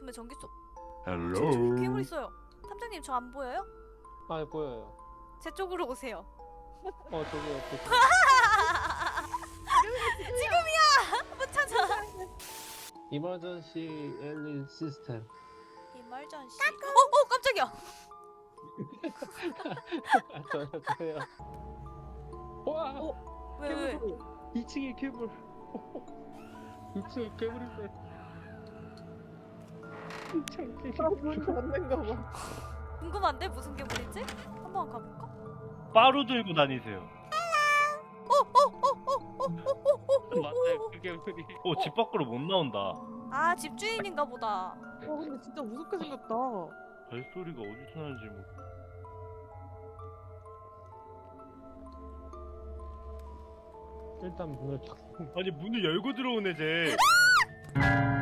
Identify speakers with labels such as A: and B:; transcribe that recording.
A: 왜 전기 속?
B: 헬로.
A: 괴물 있어요. 탐정님 저 안 보여요?
C: 아 보여요.
A: 제 쪽으로 오세요.
C: 저기 옆에.
A: 지금이야! 못 찾아.
C: 이머전시 엘리 시스템.
A: 이멀전시. 깜짝이야.
C: 저요. 와.
A: 왜?
C: 2층에 괴물. 2층에 괴물 있어요.
D: 문 닫는가 봐.
A: 궁금한데 무슨 괴물인지? 한번 가볼까?
B: 빠루 들고 다니세요.
C: 맞아요, 그 괴물이.
B: 집 밖으로 못 나온다.
A: 아 집주인인가 보다.
D: 근데 진짜 무섭게 생겼다.
B: 발소리가 어디서 나는지 뭐.
C: 일단 문을 탁.
B: 아니 문을 열고 들어오네 쟤.